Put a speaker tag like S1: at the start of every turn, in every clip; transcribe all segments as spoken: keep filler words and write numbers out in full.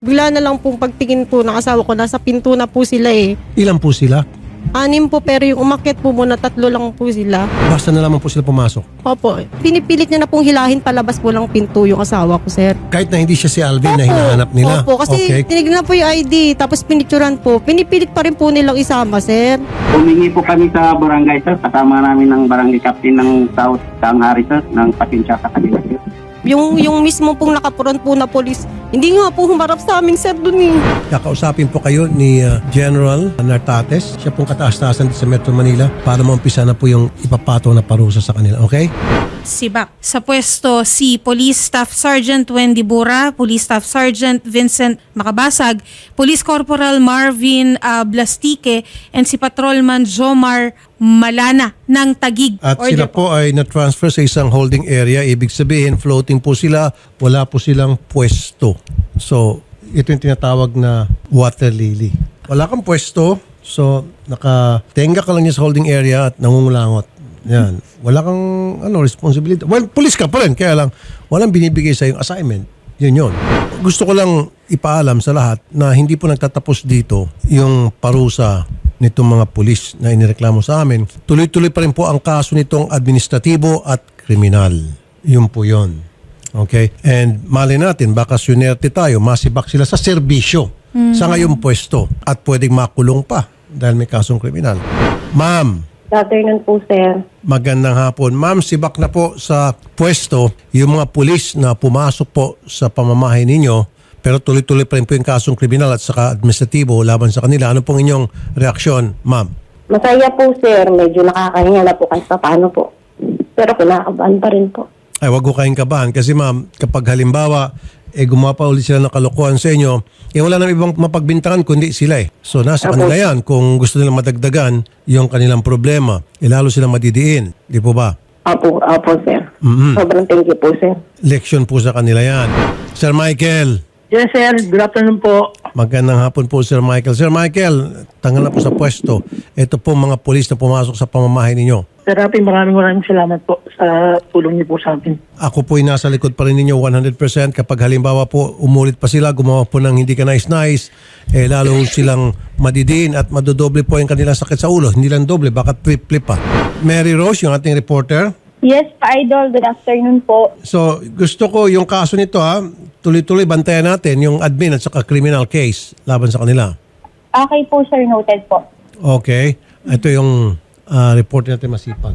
S1: Bigla na lang pong pagtingin po ng asawa ko, nasa pinto na po sila eh.
S2: Ilan po sila?
S1: Anim po, pero yung umakyat po muna, tatlo lang po sila.
S2: Basta na lamang po sila pumasok.
S1: Opo, pinipilit niya na pong hilahin palabas po lang pinto yung asawa ko, sir.
S2: Kahit na hindi siya si Alvin na
S1: Opo.
S2: hinahanap nila.
S1: Opo, kasi
S2: Okay.
S1: tinignan po yung I D, tapos pinicturan po. Pinipilit pa rin po nilang isama, sir.
S3: Humingi po kami sa barangay, sir. Kasama namin ng barangay captain ng South Tanghari, sir, ng pasensya sa kanila, sir.
S1: Yung, yung mismo pong nakapuron po na polis, hindi nga po humarap sa amin, sir, dun eh.
S2: Kakausapin po kayo ni uh, General Nartates. Siya pong kataas-taasan sa Metro Manila para maumpisa na po yung ipapato na parusa sa kanila. Okay?
S4: Sibak. Sa pwesto si Police Staff Sergeant Wendy Bura, Police Staff Sergeant Vincent Makabasag, Police Corporal Marvin uh, Blastique, and si Patrolman Jomar Malana ng Tagig.
S2: At
S4: Order
S2: sila po ay na-transfer sa isang holding area. Ibig sabihin, floating po sila. Wala po silang pwesto. So, ito yung tinatawag na water lily. Wala kang pwesto. So, nakatenga ka lang niya sa holding area at nangungulangot. Yan. Wala kang ano, responsibility. Well, police ka pa rin. Kaya lang, walang binibigay sa yung assignment. Yun yun. Gusto ko lang ipaalam sa lahat na hindi po nagtatapos dito yung parusa nitong mga pulis na inireklamo sa amin. Tuloy-tuloy pa rin po ang kaso nitong administratibo at kriminal. Yun po yun. Okay? And mali natin, baka sunerte tayo, masibak sila sa serbisyo sa ngayong pwesto at pwedeng makulong pa dahil may kasong kriminal. Ma'am,
S5: Good afternoon po, sir.
S2: magandang hapon. Ma'am, sibak na po sa pwesto yung mga pulis na pumasok po sa pamamahay ninyo pero tuloy-tuloy pa rin po yung kasong kriminal at saka administratibo laban sa kanila. Ano pong inyong reaksyon, ma'am?
S5: Masaya po, sir. Medyo nakakahinga na po kahit pa paano po. Pero kinakabahan pa rin po.
S2: Ay, wag ko kayong kabahan kasi ma'am, kapag halimbawa eh gumawa pa ulit sila ng kalokohan sa inyo, eh wala nang ibang mapagbintangan kundi sila eh. So nasa
S5: Apo.
S2: kanila yan kung gusto nilang madagdagan yung kanilang problema. Eh lalo silang madidiin. Di po ba?
S5: Opo, opo, sir.
S2: Mhm.
S5: Sobrang thank you po, sir.
S2: Leksyon po sa kanila yan. Sir Michael,
S6: Yes, sir. Good afternoon po.
S2: magandang hapon po Sir Michael. Sir Michael, tanggal na po sa pwesto. Ito po mga pulis na pumasok sa pamamahay ninyo.
S6: Sir Rafi, maraming maraming salamat po sa tulong niyo po sa atin.
S2: Ako po'y nasa likod pa rin ninyo one hundred percent. Kapag halimbawa po umulit pa sila, gumawa po ng hindi ka nice-nice, eh lalo silang madidiin at madodoble po yung kanilang sakit sa ulo. Hindi lang doble, baka triple pa. Mary Rose, yung ating reporter.
S7: Yes, Idol. Good afternoon po.
S2: So gusto ko yung kaso nito ha, tuloy-tuloy bantayan natin yung admin at saka criminal case laban sa kanila.
S7: Okay po, sir. Noted po.
S2: Okay. Ito yung uh, reporter natin masipag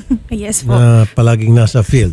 S4: Yes po.
S2: na palaging nasa field.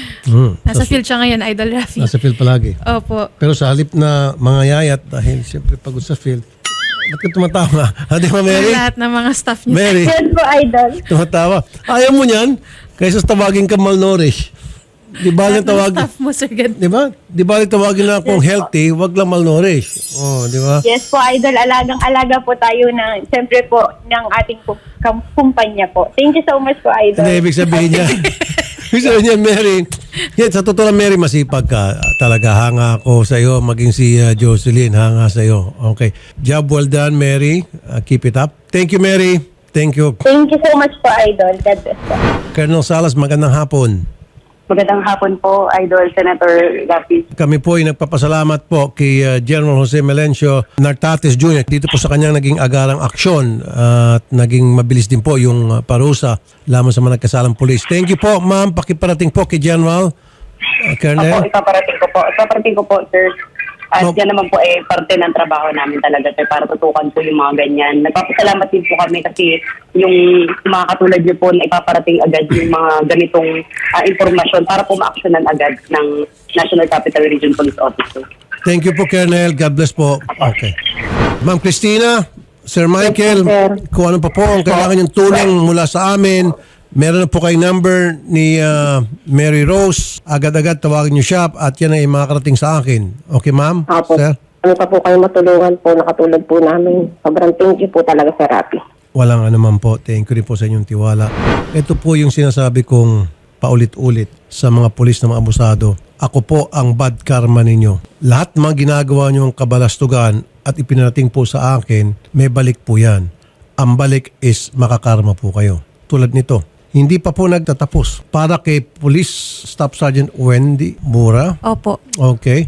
S2: Mm.
S4: Nasa field siya ngayon, Idol Rafi.
S2: Nasa field palagi.
S4: Opo.
S2: Pero sa halip na mga yayat, dahil siyempre pagod sa field, ba't ka tumatawa? Ha, di ba, Mary?
S4: Lahat ng mga staff niya.
S2: Mary,
S7: Yes po, Idol.
S2: tumatawa. Ayaw mo niyan? Kaysa tawagin ka malnourished. Di ba lang tawagin?
S4: Staff mo, Sir Gan.
S2: Di ba? Di ba lang tawagin na akong healthy, wag lang malnourished. Oh, di ba?
S7: Yes po, Idol. Alagang-alaga po tayo ng, siyempre po, ng ating kum- kum- kumpanya po. Thank you so much po, Idol.
S2: Ano ibig sabihin niya? Ibig sabihin niya, Mary, yan, sa totoo lang, Mary, masipag ka. Talaga, hanga ako sa iyo. Maging si uh, Jocelyn, hanga sa iyo. Okay. Job well done, Mary. Uh, keep it up. Thank you, Mary. Thank you.
S7: Thank you so much po, Idol. God bless po.
S2: Colonel Salas, magandang hapon.
S5: Magandang hapon po, Idol Senator Rafi.
S2: Kami po ay nagpapasalamat po kay uh, General Jose Melencio Nartates Junior Dito po sa kanyang naging agarang aksyon uh, at naging mabilis din po yung uh, parusa lamang sa mga nagkasalang pulis. Thank you po, ma'am. Pakiparating po kay General uh,
S5: Opo,
S2: Colonel.
S5: ipaparating ko po. Ipaparating ko po, sir. At
S2: No.
S5: yan naman po eh, parte ng trabaho namin talaga, sir, para tutukan po yung mga ganyan. Nagpapasalamat din po kami kasi yung mga katulad niyo po na ipaparating agad yung mga ganitong ah, informasyon para po ma-actionan agad ng National Capital Region Police Office.
S2: Thank you po, Colonel. God bless po. Okay. Ma'am Christina, Sir Michael,
S5: Yes, sir.
S2: kung ano pa po ang kailangan yung tulong mula sa amin, meron na po kayong number ni uh, Mary Rose. Agad-agad tawagin niyo siya at yan ay makakarating sa akin. Okay, ma'am?
S5: Opo.
S2: Sir?
S5: Ano pa po kayo matulungan po, nakatulad po namin. Sobrang thank you po talaga, Sir Rafi.
S2: Walang anuman po. Thank you rin po sa inyong tiwala. Ito po yung sinasabi kong paulit-ulit sa mga pulis na mga abusado. Ako po ang bad karma ninyo. Lahat ng mga ginagawa nyo ang kabalastugan at ipinarating po sa akin, may balik po yan. Ang balik is makakarma po kayo. Tulad nito. Hindi pa po nagtatapos. Para kay Police Staff Sergeant Wendy Bura.
S4: Opo.
S2: Okay.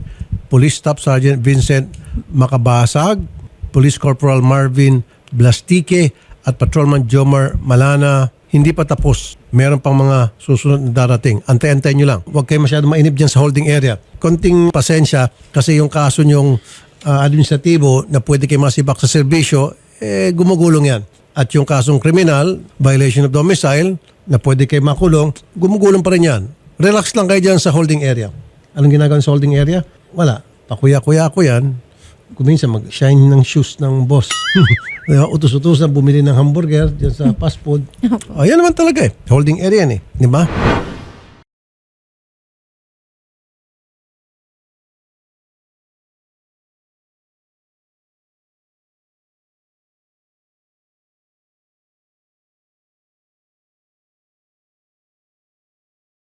S2: Police Staff Sergeant Vincent Makabasag, Police Corporal Marvin Blastique, at Patrolman Jomar Malana. Hindi pa tapos. Meron pang mga susunod na darating. Antay-antay nyo lang. Huwag kayo masyado mainip dyan sa holding area. Konting pasensya kasi yung kaso nyong uh, administratibo na pwede kayo masibak sa serbisyo, eh gumugulong yan. At yung kasong kriminal, violation of domicile, na pwede kayo makulong, gumugulong pa rin yan. Relax lang kayo dyan sa holding area. Anong ginagawa sa holding area? Wala. Pakuya-kuya ko yan. Kuminsan mag-shine ng shoes ng boss. Utos-utos na bumili ng hamburger dyan sa fast food. Ayan naman talaga eh. Holding area yan eh. Di ba?